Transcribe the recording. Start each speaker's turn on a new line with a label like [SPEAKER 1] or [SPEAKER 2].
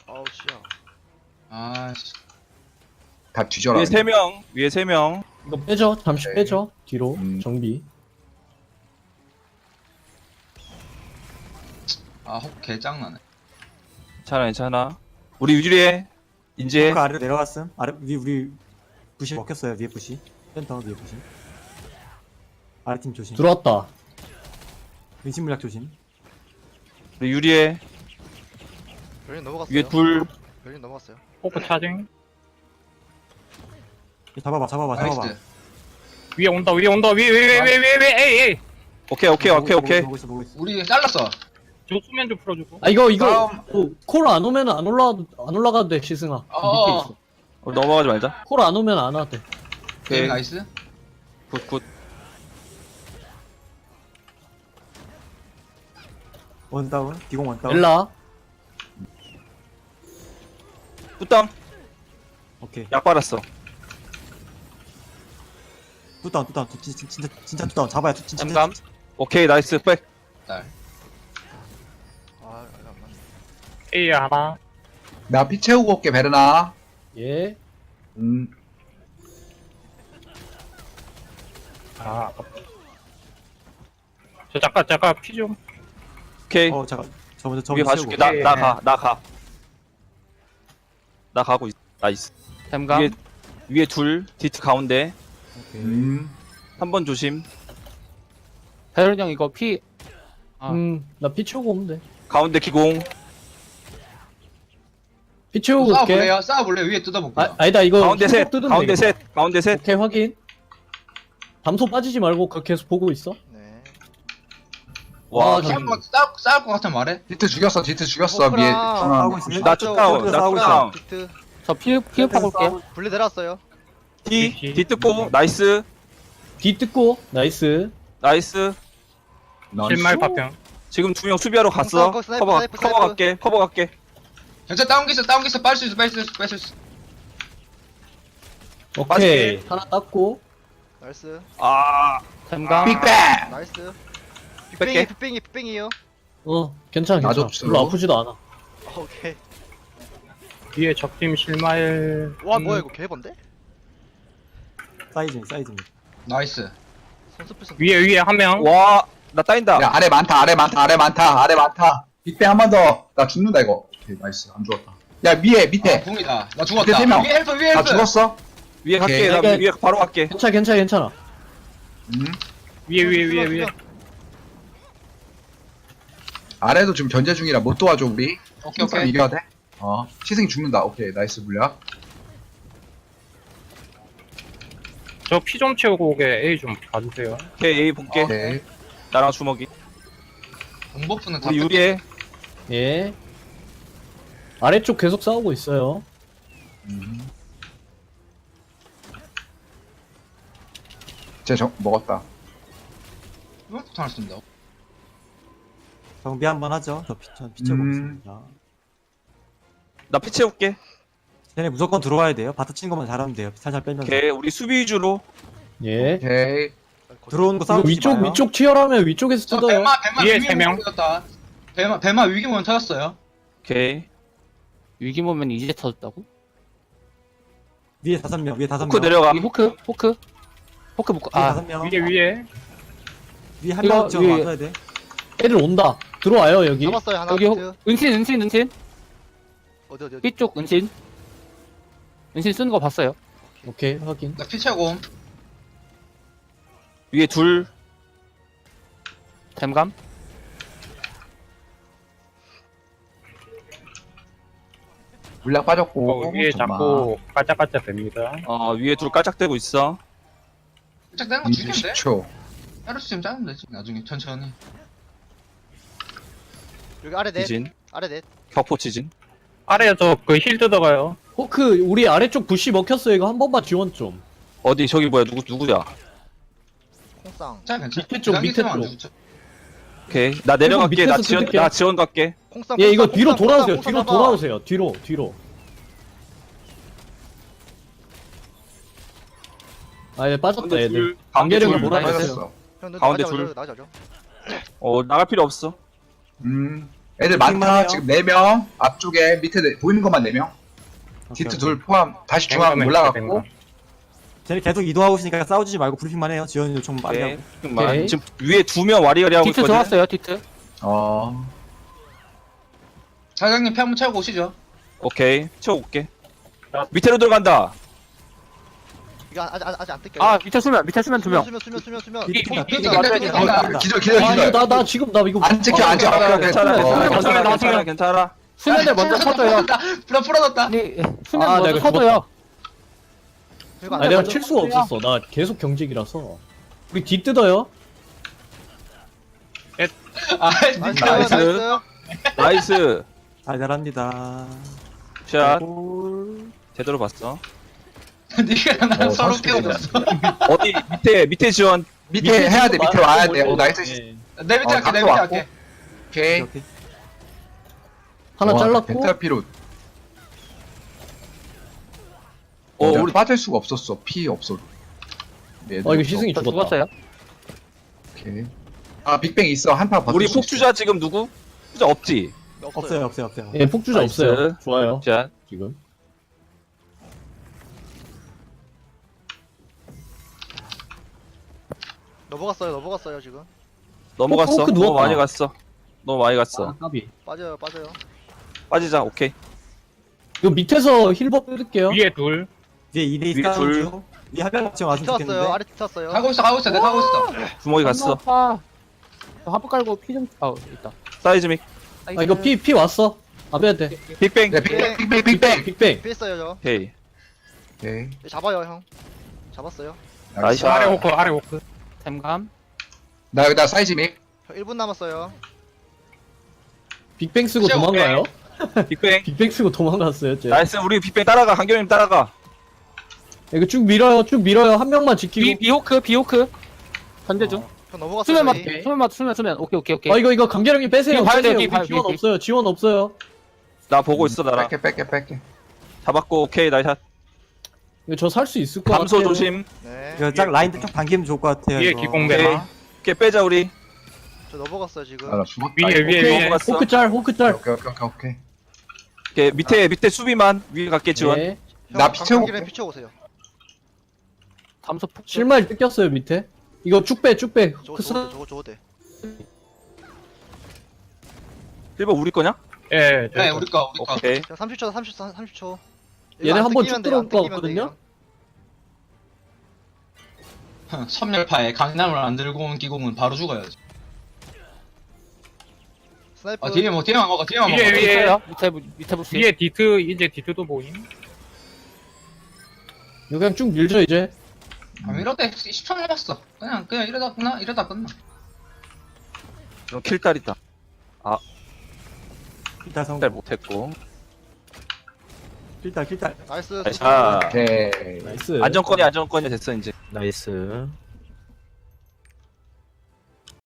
[SPEAKER 1] 아우 씨야.
[SPEAKER 2] 아씨. 다 뒤져라.
[SPEAKER 3] 위에 3명. 위에 3명.
[SPEAKER 4] 이거 빼죠. 잠시
[SPEAKER 2] 네.
[SPEAKER 4] 빼죠. 뒤로 정비.
[SPEAKER 2] 아, 혹 개짱나네.
[SPEAKER 3] 괜찮아 괜찮아. 우리 유리해. 이제
[SPEAKER 5] 그 아래로 내려갔음. 아래 위 우리 부시 먹혔어요. 위에 부시. 센터 위에 부시. 아래 팀 조심.
[SPEAKER 4] 들어왔다.
[SPEAKER 5] 은신 물약 조심.
[SPEAKER 3] 우리 유리해.
[SPEAKER 1] 별님 넘어갔어요.
[SPEAKER 3] 위에 둘.
[SPEAKER 1] 별님 넘어갔어요.
[SPEAKER 6] 포크 차징.
[SPEAKER 5] 잡아봐 잡아봐 잡아봐.
[SPEAKER 2] 나이스.
[SPEAKER 6] 위에 온다 위에 온다 위에 에이 에이.
[SPEAKER 3] 오케이 오케이 오케이 오케이.
[SPEAKER 5] 보고 있어 보고 있어.
[SPEAKER 2] 우리 잘랐어.
[SPEAKER 6] 저 수면 좀 풀어주고.
[SPEAKER 4] 아 이거
[SPEAKER 2] 다음.
[SPEAKER 4] 콜 안 오면 안 올라가도 돼 시승아.
[SPEAKER 2] 어.
[SPEAKER 4] 밑에 있어.
[SPEAKER 3] 우리 넘어가지 말자.
[SPEAKER 4] 콜 안 오면 안 와도 돼.
[SPEAKER 3] 오케이.
[SPEAKER 2] 나이스.
[SPEAKER 3] 굿굿.
[SPEAKER 5] 원다운. 기공 원다운.
[SPEAKER 4] 엘라.
[SPEAKER 3] 굿다운.
[SPEAKER 5] 오케이.
[SPEAKER 3] 약 빨았어.
[SPEAKER 5] 뚜다운 뚜다운. 진짜 뚜다운. 잡아야 진짜.
[SPEAKER 3] 잠깐. 오케이 나이스 백.
[SPEAKER 2] 딸.
[SPEAKER 1] 아, 안 맞네.
[SPEAKER 6] 에이 하나.
[SPEAKER 2] 나 피 채우고 올게, 베르나.
[SPEAKER 4] 예.
[SPEAKER 6] 아 아깝다. 저 잠깐 피 좀.
[SPEAKER 3] 오케이.
[SPEAKER 5] 잠깐. 저 먼저
[SPEAKER 3] 위에 봐줄게. 나 가. 나 가. 나 가고 있어. 나이스.
[SPEAKER 7] 템감
[SPEAKER 3] 위에 둘. 디트 가운데.
[SPEAKER 5] 오케이.
[SPEAKER 3] 한 번 조심.
[SPEAKER 7] 배른 형 이거 피 아.
[SPEAKER 4] 나 피 채우고 오면 돼.
[SPEAKER 3] 가운데 기공.
[SPEAKER 4] 피 채우고 올게.
[SPEAKER 2] 싸워볼래요? 싸워볼래요? 위에 뜯어볼게요.
[SPEAKER 4] 아니다 이거
[SPEAKER 3] 가운데 셋.
[SPEAKER 4] 뜯으면
[SPEAKER 3] 가운데
[SPEAKER 4] 되겠다.
[SPEAKER 3] 셋. 가운데 셋.
[SPEAKER 4] 오케이 확인. 담소 빠지지 말고 그거 계속 보고 있어.
[SPEAKER 1] 네.
[SPEAKER 3] 와.
[SPEAKER 4] 아,
[SPEAKER 2] 싸울 것 같으면 말해. 디트 죽였어, 디트 죽였어.
[SPEAKER 1] 포크랑
[SPEAKER 2] 위에.
[SPEAKER 5] 싸우고 있어.
[SPEAKER 3] 나 쫓아오. 나
[SPEAKER 5] 싸우고
[SPEAKER 3] 쫓아오.
[SPEAKER 1] 비트.
[SPEAKER 7] 저 피흡하고 올게요
[SPEAKER 1] 분리 내려왔어요.
[SPEAKER 3] 뒤 뜯고. 나이스.
[SPEAKER 4] 뒤 뜯고 나이스.
[SPEAKER 3] 나이스.
[SPEAKER 6] 실말 파평.
[SPEAKER 3] 지금 2명 수비하러 갔어.
[SPEAKER 1] 스나이퍼, 스나이퍼,
[SPEAKER 3] 커버
[SPEAKER 1] 스나이퍼,
[SPEAKER 3] 커버
[SPEAKER 1] 스나이퍼.
[SPEAKER 3] 갈게. 커버 갈게.
[SPEAKER 2] 전체 다운기 있어, 뺄 수 있어, 뺄 수 있어.
[SPEAKER 4] 오케이.
[SPEAKER 3] 빠질게.
[SPEAKER 4] 하나 땄고.
[SPEAKER 1] 나이스.
[SPEAKER 3] 아.
[SPEAKER 7] 템감
[SPEAKER 2] 빅뱅!
[SPEAKER 1] 나이스.
[SPEAKER 3] 뺄게.
[SPEAKER 1] 빅뱅이에요.
[SPEAKER 4] 괜찮아
[SPEAKER 2] 나
[SPEAKER 4] 괜찮아.
[SPEAKER 2] 줬어.
[SPEAKER 4] 별로 아프지도 않아.
[SPEAKER 1] 오케이.
[SPEAKER 6] 위에 적팀 실마일.
[SPEAKER 1] 와 뭐야 이거 개번데?
[SPEAKER 5] 사이즈.
[SPEAKER 2] 나이스.
[SPEAKER 1] 선수 필승.
[SPEAKER 6] 위에 한 명.
[SPEAKER 3] 와. 나 따인다.
[SPEAKER 2] 야, 아래 많다. 빅뱅 한 번 더. 나 죽는다, 이거. 오케이, 나이스. 안 죽었다. 야, 밑에. 궁이다. 나 죽었다. 밑에 3명. 위에 헬프. 나 죽었어.
[SPEAKER 3] 위에 갈게.
[SPEAKER 2] 오케이.
[SPEAKER 3] 나 위에 바로 갈게.
[SPEAKER 4] 괜찮아.
[SPEAKER 6] 위에.
[SPEAKER 2] 아래도 지금 견제 중이라 못 도와줘, 우리. 오케이. 이겨야 돼. 시승이 죽는다. 오케이, 나이스 물약.
[SPEAKER 6] 저 피 좀 채우고 오게 A 좀 봐주세요.
[SPEAKER 3] 오케이 A 볼게.
[SPEAKER 2] 오케이.
[SPEAKER 3] 나랑 주먹이.
[SPEAKER 2] 공버프는
[SPEAKER 3] 우리 유리해.
[SPEAKER 4] 예. 아래쪽 계속 싸우고 있어요.
[SPEAKER 2] 먹었다. 공버프 하나 쓴다.
[SPEAKER 5] 정비 한번 하죠. 저 피쳐 보겠습니다.
[SPEAKER 3] 나 피 채울게.
[SPEAKER 5] 쟤네 무조건 들어와야 돼요. 바트 친 것만 잘하면 돼요. 살살 빼면서.
[SPEAKER 3] 오케이. 우리 수비 위주로.
[SPEAKER 4] 예.
[SPEAKER 2] 오케이.
[SPEAKER 5] 들어오는 거
[SPEAKER 4] 이거
[SPEAKER 5] 싸우지 마요.
[SPEAKER 4] 위쪽 치열하면 위쪽에서
[SPEAKER 2] 저
[SPEAKER 4] 뜯어요.
[SPEAKER 2] 배마
[SPEAKER 6] 위에
[SPEAKER 2] 위기문
[SPEAKER 6] 세 명.
[SPEAKER 2] 터졌다. 배마 위기문 터졌어요.
[SPEAKER 3] 오케이.
[SPEAKER 7] 위기 보면 이제 터졌다고?
[SPEAKER 5] 위에 5명.
[SPEAKER 3] 포크 내려가.
[SPEAKER 7] 이 포크 묶어
[SPEAKER 5] 위에
[SPEAKER 7] 아
[SPEAKER 5] 5명.
[SPEAKER 6] 위에.
[SPEAKER 5] 위에 한
[SPEAKER 7] 이거
[SPEAKER 5] 명쯤
[SPEAKER 7] 위에-
[SPEAKER 5] 와줘야 돼.
[SPEAKER 4] 애들 온다. 들어와요 여기.
[SPEAKER 1] 잡았어요 하나.
[SPEAKER 7] 여기
[SPEAKER 1] 비트.
[SPEAKER 7] 은신
[SPEAKER 1] 어디.
[SPEAKER 7] B쪽 은신 쓰는 거 봤어요
[SPEAKER 4] 오케이 확인.
[SPEAKER 2] 나 피 채우고.
[SPEAKER 3] 위에 둘.
[SPEAKER 7] 템감
[SPEAKER 2] 물약 빠졌고.
[SPEAKER 6] 위에 자꾸 깔짝깔짝 됩니다.
[SPEAKER 3] 위에 둘 깔짝대고 있어.
[SPEAKER 2] 살짝 되는 거 죽이면 돼.
[SPEAKER 4] 20초.
[SPEAKER 2] 헤르스 좀 짜면 되지. 나중에 천천히.
[SPEAKER 1] 여기 아래 넷.
[SPEAKER 3] 지진.
[SPEAKER 1] 아래 넷.
[SPEAKER 3] 격포 지진.
[SPEAKER 6] 아래에 저그 힐 뜯어가요.
[SPEAKER 4] 호크 우리 아래쪽 부시 먹혔어요. 이거 한 번만 지원 좀.
[SPEAKER 3] 어디 저기 뭐야 누구야?
[SPEAKER 1] 콩쌍.
[SPEAKER 2] 자, 괜찮아.
[SPEAKER 4] 밑에 쪽, 밑에
[SPEAKER 2] 기상기사만 안
[SPEAKER 4] 쪽.
[SPEAKER 2] 죽죠.
[SPEAKER 3] 오케이. 나 내려갈게.
[SPEAKER 4] 밑에서
[SPEAKER 3] 나
[SPEAKER 4] 뜯을게요.
[SPEAKER 3] 지원 갈게.
[SPEAKER 1] 콩쌍.
[SPEAKER 4] 예 이거
[SPEAKER 1] 콩쌍,
[SPEAKER 4] 뒤로
[SPEAKER 1] 콩쌍,
[SPEAKER 4] 돌아오세요.
[SPEAKER 1] 콩쌍
[SPEAKER 4] 뒤로
[SPEAKER 1] 잡아.
[SPEAKER 4] 돌아오세요. 뒤로. 아얘 빠졌다
[SPEAKER 3] 가운데
[SPEAKER 4] 얘들.
[SPEAKER 3] 둘. 가운데
[SPEAKER 4] 관계력을
[SPEAKER 3] 둘.
[SPEAKER 4] 몰아냈어요.
[SPEAKER 2] 빠졌어.
[SPEAKER 1] 형, 너
[SPEAKER 3] 가운데
[SPEAKER 1] 나가자,
[SPEAKER 3] 둘.
[SPEAKER 1] 나가자.
[SPEAKER 3] 나갈 필요 없어.
[SPEAKER 2] 음. 애들 많다.
[SPEAKER 5] 많아요.
[SPEAKER 2] 지금 4명. 앞쪽에 밑에 보이는 것만 4명. 디트 둘 포함. 다시 중앙 올라갔고.
[SPEAKER 5] 쟤네 계속 이동하고 있으니까 싸우지 말고 브리핑만 해요. 지원 요청 많이
[SPEAKER 3] 오케이.
[SPEAKER 5] 하고.
[SPEAKER 3] 지금 지금 위에 2명 와리가리 하고
[SPEAKER 7] 디트
[SPEAKER 3] 있거든.
[SPEAKER 7] 들어왔어요 디트.
[SPEAKER 2] 사장님 피 한번 채우고 오시죠.
[SPEAKER 3] 오케이. 채워올게. 밑으로 들어간다.
[SPEAKER 1] 이거 아직 안 뜯겨요.
[SPEAKER 7] 아 밑에 수면 2명.
[SPEAKER 1] 수면.
[SPEAKER 2] 기절.
[SPEAKER 4] 나 지금 나 이거
[SPEAKER 2] 안 찍혀, 안 찍혀.
[SPEAKER 3] 괜찮아. 괜찮아.
[SPEAKER 7] 수면을 먼저 쳐줘요.
[SPEAKER 2] 불안 풀어졌다.
[SPEAKER 7] 아니 수면
[SPEAKER 4] 아,
[SPEAKER 7] 먼저
[SPEAKER 4] 내가
[SPEAKER 7] 쳐줘요.
[SPEAKER 4] 아 내가 칠 수가 없었어. 나 계속 경직이라서. 우리 뒤 뜯어요.
[SPEAKER 1] 나이스.
[SPEAKER 3] 나이스.
[SPEAKER 5] 잘 잘합니다.
[SPEAKER 3] 샷. 제대로 봤어.
[SPEAKER 2] 니가 나랑 서로 깨워줬어.
[SPEAKER 3] 어디 밑에 지원.
[SPEAKER 2] 밑에 해야 돼. 밑에 와야 돼. 나이스. 내 밑에 할게. 내 밑에 할게. 오케이.
[SPEAKER 5] 오케이.
[SPEAKER 4] 하나 잘랐고.
[SPEAKER 2] 벤탈 피로. 우리 빠질 수가 없었어. 피 없어.
[SPEAKER 4] 이거 시승이
[SPEAKER 7] 저
[SPEAKER 4] 죽었다.
[SPEAKER 7] 죽었어요.
[SPEAKER 2] 오케이. 아 빅뱅 있어. 한파 버틸
[SPEAKER 3] 우리
[SPEAKER 2] 수 있어.
[SPEAKER 3] 폭주자 지금 누구? 폭주자 없지.
[SPEAKER 5] 없어요.
[SPEAKER 4] 예, 폭주자
[SPEAKER 3] 나이스.
[SPEAKER 4] 없어요. 좋아요.
[SPEAKER 3] 자,
[SPEAKER 4] 지금.
[SPEAKER 1] 넘어갔어요 지금.
[SPEAKER 3] 넘어갔어.
[SPEAKER 4] 호크
[SPEAKER 3] 너무
[SPEAKER 4] 누웠다.
[SPEAKER 3] 많이 갔어. 너무 많이 갔어.
[SPEAKER 4] 까비.
[SPEAKER 1] 빠져요.
[SPEAKER 3] 빠지자. 오케이.
[SPEAKER 4] 이거 밑에서 힐법 뜯을게요.
[SPEAKER 6] 위에 둘.
[SPEAKER 5] 위에 2대2
[SPEAKER 3] 위에
[SPEAKER 5] 싸움
[SPEAKER 3] 둘.
[SPEAKER 5] 중. 위에 한 명쯤 왔으면
[SPEAKER 1] 튀었어요.
[SPEAKER 5] 좋겠는데.
[SPEAKER 1] 아래 튀었어요.
[SPEAKER 2] 가고 있어. 내가 가고 있어.
[SPEAKER 3] 주먹이 갔어.
[SPEAKER 7] 아, 하부 깔고 피 좀. 아 있다.
[SPEAKER 3] 사이즈믹.
[SPEAKER 4] 아 이거 피 왔어. 아베야 돼.
[SPEAKER 3] 빅뱅.
[SPEAKER 2] 네, 빅뱅.
[SPEAKER 4] 빅뱅.
[SPEAKER 1] 피했어요 저.
[SPEAKER 3] 오케이.
[SPEAKER 2] 오케이.
[SPEAKER 1] 잡아요 형. 잡았어요.
[SPEAKER 3] 나이스.
[SPEAKER 6] 아래 호크, 아래 호크.
[SPEAKER 7] 템감.
[SPEAKER 2] 나 여기다 사이즈 믹.
[SPEAKER 1] 저 1분 남았어요.
[SPEAKER 4] 빅뱅 쓰고
[SPEAKER 2] 진짜
[SPEAKER 4] 도망가요?
[SPEAKER 3] 빅뱅.
[SPEAKER 4] 빅뱅 쓰고 도망갔어요, 쟤.
[SPEAKER 3] 나이스. 우리 빅뱅 따라가. 강경님 따라가.
[SPEAKER 4] 이거 쭉 밀어요. 한 명만 지키고.
[SPEAKER 7] 비호크. 전제 중.
[SPEAKER 1] 형 넘어갔어요.
[SPEAKER 7] 수면 맞.
[SPEAKER 1] 저희.
[SPEAKER 7] 수면. 오케이.
[SPEAKER 4] 아 이거 강계령님 빼세요.
[SPEAKER 7] 이거 봐야 돼요,
[SPEAKER 4] 빼세요.
[SPEAKER 7] 이거 봐야
[SPEAKER 4] 우리 지원
[SPEAKER 7] 돼요.
[SPEAKER 4] 없어요. 지원 없어요.
[SPEAKER 3] 나 보고 있어 나랑.
[SPEAKER 2] 뺄게.
[SPEAKER 3] 잡았고. 오케이. 나이샷.
[SPEAKER 4] 이거 저 살 수 있을 것 같아요.
[SPEAKER 3] 감소 조심.
[SPEAKER 1] 네.
[SPEAKER 5] 이거 짝 라인들 좀 당기면 좋을 것 같아요.
[SPEAKER 6] 위에
[SPEAKER 5] 이거.
[SPEAKER 3] 오케이.
[SPEAKER 6] 기공배마.
[SPEAKER 3] 오케이. 빼자 우리.
[SPEAKER 1] 저 넘어갔어요 지금.
[SPEAKER 2] 나 죽었다.
[SPEAKER 6] 위에 위에.
[SPEAKER 3] 넘어갔어.
[SPEAKER 4] 호크 짤.
[SPEAKER 2] 오케이.
[SPEAKER 3] 오케이. 밑에 수비만 위에 갈게 지원.
[SPEAKER 4] 네.
[SPEAKER 2] 나 피채우고
[SPEAKER 1] 피 채우고 오세요.
[SPEAKER 7] 담소 폭.
[SPEAKER 4] 실마리 뜯겼어요, 밑에. 이거 쭉 빼.
[SPEAKER 1] 저거 돼.
[SPEAKER 3] 1번 우리 거냐?
[SPEAKER 6] 예.
[SPEAKER 2] 네, 우리 거.
[SPEAKER 3] 오케이.
[SPEAKER 1] 자 30초.
[SPEAKER 4] 얘네 한번 쭉 들어올 것 같거든요?
[SPEAKER 2] 섬멸파에 강남을 안 들고 온 기공은 바로 죽어야지.
[SPEAKER 1] 스나이퍼.
[SPEAKER 2] 뒤에만 먹어.
[SPEAKER 6] 위에.
[SPEAKER 7] 있어요. 밑에 부시.
[SPEAKER 6] 위에 디트, 이제 디트도 보임.
[SPEAKER 4] 이거 그냥 쭉 밀죠, 이제.
[SPEAKER 2] 이러다 10초 남았어. 그냥 이러다 끝나.
[SPEAKER 3] 이건 킬딸이다.
[SPEAKER 5] 필달 성공.
[SPEAKER 3] 킬딸 못했고.
[SPEAKER 5] 필달.
[SPEAKER 1] 나이스.
[SPEAKER 3] 나이스.
[SPEAKER 2] 오케이.
[SPEAKER 4] 나이스.
[SPEAKER 3] 안정권이 됐어 이제.
[SPEAKER 7] 나이스.